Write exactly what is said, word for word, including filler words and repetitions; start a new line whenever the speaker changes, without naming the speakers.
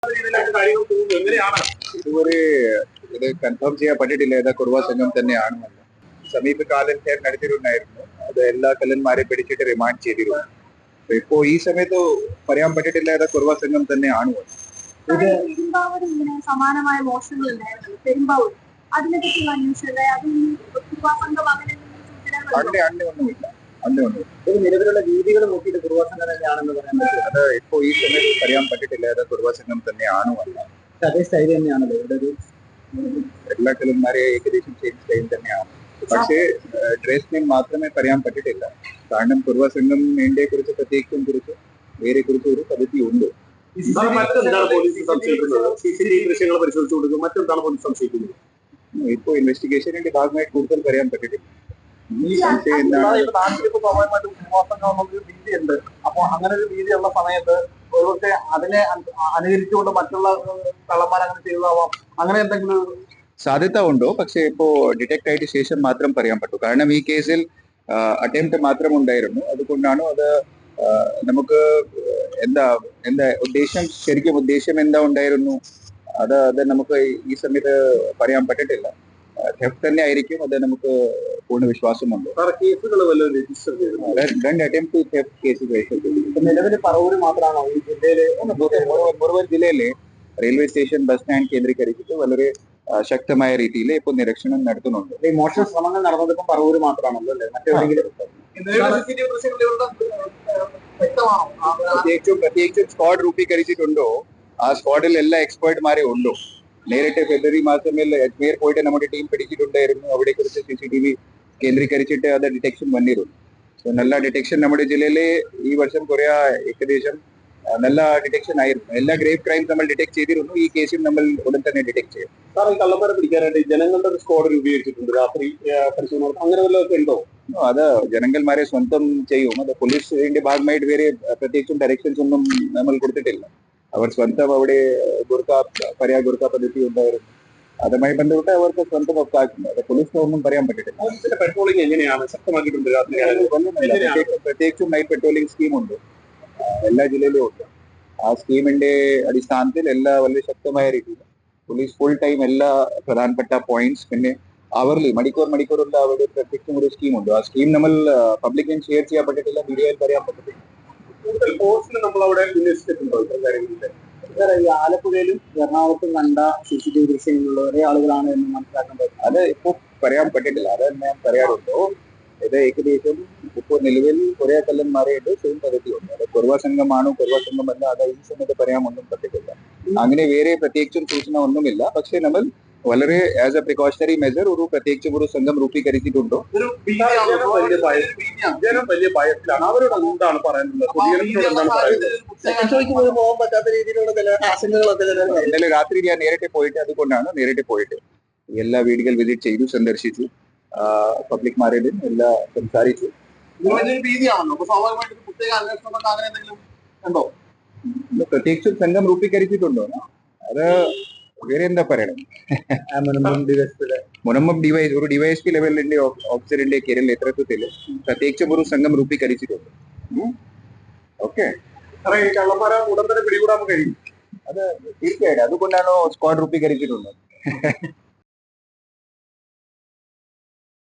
ഇതുവരെ ഇത് കൺഫേം ചെയ്യപ്പെട്ടിട്ടില്ല. ഏതാ കുറുവ സംഘം തന്നെയാണെന്ന്. സമീപകാലത്ത് നടത്തിയിട്ടുണ്ടായിരുന്നു. അത് എല്ലാ കള്ളന്മാരെ പിടിച്ചിട്ട് റിമാൻഡ് ചെയ്തിരുന്നു. ഇപ്പോ ഈ സമയത്ത് പറയാൻ പറ്റിട്ടില്ല ഏതാ കുറുവ സംഘം തന്നെയാണ്.
സമാനമായ മോഷണങ്ങൾ ഉണ്ടായിരുന്നു പെരുമ്പാവൂർ. അതിനെപ്പറ്റി
അന്നെ അന്നെ ഒന്നുമില്ല അന്നെ ഒന്നും നിലവിലുള്ള രീതികൾ നോക്കിയിട്ട് കുറുവ സംഘം തന്നെയാണെന്ന് പറയാൻ പറ്റും. അത് ഇപ്പോ ഈ സമയത്ത് പറയാൻ പറ്റിട്ടില്ല ഏതാ കുറുവ സംഘം തന്നെയാണോ അല്ല. അതേ സ്റ്റൈൽ തന്നെയാണല്ലോ ഇവിടെ ഒരു എല്ലാ കള്ളന്മാരെ ഏകദേശം സെയിം സ്റ്റൈൽ തന്നെയാണ്. പക്ഷേ ഡ്രസ് നെയിം മാത്രമേ പറയാൻ പറ്റിട്ടില്ല. കാരണം കുറുവ സംഘം ഇന്ത്യയെ കുറിച്ച് പ്രത്യേകിച്ചും കുറിച്ച് വേറെ കുറിച്ച് ഒരു പദ്ധതി ഉണ്ട്. ഇപ്പോ ഇൻവെസ്റ്റിഗേഷനിന്റെ ഭാഗമായിട്ട് കൂടുതൽ പറയാൻ പറ്റിട്ടില്ല.
രീതിയുണ്ട്. അപ്പൊ അങ്ങനെ ഒരു രീതിയുള്ള സമയത്ത് ഒരുപക്ഷെ അതിനെ അനുകരിച്ചുകൊണ്ട് മറ്റുള്ള കള്ളന്മാർ അങ്ങനെ ചെയ്തതാവാം. അങ്ങനെ എന്തെങ്കിലും
സാധ്യത ഉണ്ടോ? പക്ഷേ ഇപ്പോ ഡിറ്റക്ട് ആയിട്ട് ശേഷം മാത്രം പറയാൻ പറ്റൂ. കാരണം ഈ കേസിൽ അറ്റംപ്റ്റ് മാത്രം ഉണ്ടായിരുന്നു. അതുകൊണ്ടാണ് അത് നമുക്ക് എന്താ എന്താ ഉദ്ദേശം ശരിക്കും ഉദ്ദേശം എന്താ ഉണ്ടായിരുന്നു അത് അത് നമുക്ക് ഈ സമയത്ത് പറയാൻ പറ്റിട്ടില്ല. തെഫ്റ്റ് തന്നെ ആയിരിക്കും. അത് നമുക്ക് പൂർണ്ണ വിശ്വാസമുണ്ട്. രണ്ട് അറ്റംപ്റ്റ് തെഫ്റ്റ് കേസ് രജിസ്റ്റർ ചെയ്തു.
നിലവിൽ പറവൂർ മാത്രമാണോ ഈ ജില്ലയിലെ
മുഴുവൻ ജില്ലയിലെ റെയിൽവേ സ്റ്റേഷൻ ബസ് സ്റ്റാൻഡ് കേന്ദ്രീകരിച്ചിട്ട് വളരെ ശക്തമായ രീതിയിൽ ഇപ്പോൾ നിരീക്ഷണം നടത്തുന്നുണ്ട്.
ഈ മോഷണ ശ്രമങ്ങൾ നടന്നത് ഇപ്പം പറവൂർ മാത്രമാണല്ലോ അല്ലേ? മറ്റെവിടെയെങ്കിലും
പ്രത്യേകിച്ചും പ്രത്യേകിച്ചും സ്ക്വാഡ് രൂപീകരിച്ചിട്ടുണ്ടോ? ആ സ്ക്വാഡിൽ എല്ലാ എക്സ്പേർട്ട്മാരെ ഉണ്ടോ? നേരിട്ട് ഫെബ്രുവരി മാസത്തിൽ അജ്മീർ പോയിട്ട് നമ്മുടെ ടീം പിടിച്ചിട്ടുണ്ടായിരുന്നു. അവിടെ കുറിച്ച് സി സി ടി വി കേന്ദ്രീകരിച്ചിട്ട് അത് ഡിറ്റക്ഷൻ വന്നിരുന്നു. സോ നല്ല ഡിറ്റക്ഷൻ നമ്മുടെ ജില്ലയിലെ ഈ വർഷം കുറെ ഏകദേശം നല്ല ഡിറ്റക്ഷൻ ആയിരുന്നു. എല്ലാ ഗ്രേവ് ക്രൈം നമ്മൾ ഡിറ്റക്ട് ചെയ്തിരുന്നു. ഈ കേസിൽ നമ്മൾ ഉടൻ തന്നെ ഡിറ്റക്ട് ചെയ്യും.
സാർ, ഈ കള്ളന്മാരെ പിടിക്കാനായിട്ട് ജനങ്ങളുടെ ഒരു സ്ക്വാഡ് രൂപീകരിച്ചിട്ടുണ്ട്. രാത്രി പരിശോധന അങ്ങനെ വല്ലതൊക്കെ ഉണ്ടോ?
അത് ജനങ്ങൾമാരെ സ്വന്തം ചെയ്യും. അത് പോലീസിന്റെ ഭാഗമായിട്ട് വേറെ പ്രത്യേകിച്ചും ഡയറക്ഷൻസ് ഒന്നും നമ്മൾ കൊടുത്തിട്ടില്ല. അവർ സ്വന്തം അവിടെ ഗുർഖ പര്യാ ഗുർഖ പദ്ധതി ഉണ്ടായിരുന്നു. അതുമായി ബന്ധപ്പെട്ട് അവർക്ക് സ്വന്തം ഒക്കാക്കുന്നു. അത് പോലീസിന് ഒന്നും പറയാൻ പറ്റിട്ടില്ല.
പെട്രോളിംഗ് എങ്ങനെയാണ്? ശക്തമാക്കിയിട്ടുണ്ട്.
പ്രത്യേകിച്ചും നൈറ്റ് പെട്രോളിംഗ് സ്കീം ഉണ്ട്, എല്ലാ ജില്ലയിലും ഉണ്ട്. ആ സ്കീമിന്റെ അടിസ്ഥാനത്തിൽ എല്ലാ വളരെ ശക്തമായ രീതിയിൽ പോലീസ് ഫുൾ ടൈം എല്ലാ പ്രധാനപ്പെട്ട പോയിന്റ്സ് പിന്നെ അവർലി മണിക്കൂർ മണിക്കൂറുള്ള അവിടെ പ്രത്യേകിച്ചും ഒരു സ്കീം ഉണ്ട്. ആ സ്കീം നമ്മൾ പബ്ലിക്കിന് ഷെയർ ചെയ്യാൻ പറ്റത്തില്ല, മീഡിയയിൽ പറയാൻ പറ്റത്തില്ല.
കൂടുതൽ പോസ്റ്റിന് നമ്മൾ അവിടെ വിന്യസിച്ചിട്ടുണ്ടോ? ഈ ആലപ്പുഴയിലും എറണാകുളത്തും കണ്ട സി സി ടി വി ദൃശ്യങ്ങളുള്ള ഒരേ ആളുകളാണ് എന്ന് മനസ്സിലാക്കാൻ പറ്റും.
അത് ഇപ്പൊ പറയാൻ പറ്റിട്ടില്ല. അത് ഞാൻ പറയാറുണ്ടോ, ഇത് ഏകദേശം ഇപ്പോൾ നിലവിൽ കുറെ കള്ളന്മാരായിട്ട് സെയിം പദ്ധതിയുണ്ട്. അത് കുറുവ സംഘമാണോ കുറുവ സംഘമല്ല അത് ഈ സമയത്ത് പറയാൻ ഒന്നും പറ്റിട്ടില്ല. അങ്ങനെ വേറെ പ്രത്യേകിച്ചും സൂചന ഒന്നുമില്ല. പക്ഷെ നമ്മൾ വളരെ ആസ് എ പ്രിക്കോഷണറി മെജർ ഒരു പ്രത്യേകിച്ചും ഒരു സംഘം രൂപീകരിച്ചിട്ടുണ്ടോ?
ജനം വലിയ ഭയത്തിലാണ്. അവരോട് എന്താണ് പറയുന്നത്? പോകാൻ പറ്റാത്ത രീതിയിലുള്ള ചില ആശങ്കകളൊക്കെ
ഇന്നലെ രാത്രി ഞാൻ നേരിട്ട് പോയിട്ട് അതുകൊണ്ടാണ് നേരിട്ട് പോയിട്ട് എല്ലാ വീടുകൾ വിസിറ്റ് ചെയ്തു, സന്ദർശിച്ചു, പബ്ലിക്മാരോടും എല്ലാം സംസാരിച്ചു. പ്രത്യേകിച്ചും സംഘം രൂപീകരിച്ചിട്ടുണ്ടോ? അത് വേറെ എന്താ പറയണം. മുനമ്പം ഡിവൈസ് ഒരു ഡിവൈഎസ് പി ലെവലിന്റെ ഓഫീസറിന്റെ കേരള നേതൃത്വത്തിൽ പ്രത്യേകിച്ചും ഒരു സംഘം രൂപീകരിച്ചിട്ടുണ്ട്. ഓക്കെ,
കള്ളന്മാരെ ഉടൻ തന്നെ പിടികൂടാൻ കഴിയും.
അത് തീർച്ചയായിട്ടും അതുകൊണ്ടാണോ സ്ക്വാഡ് രൂപീകരിച്ചിട്ടുള്ളത്.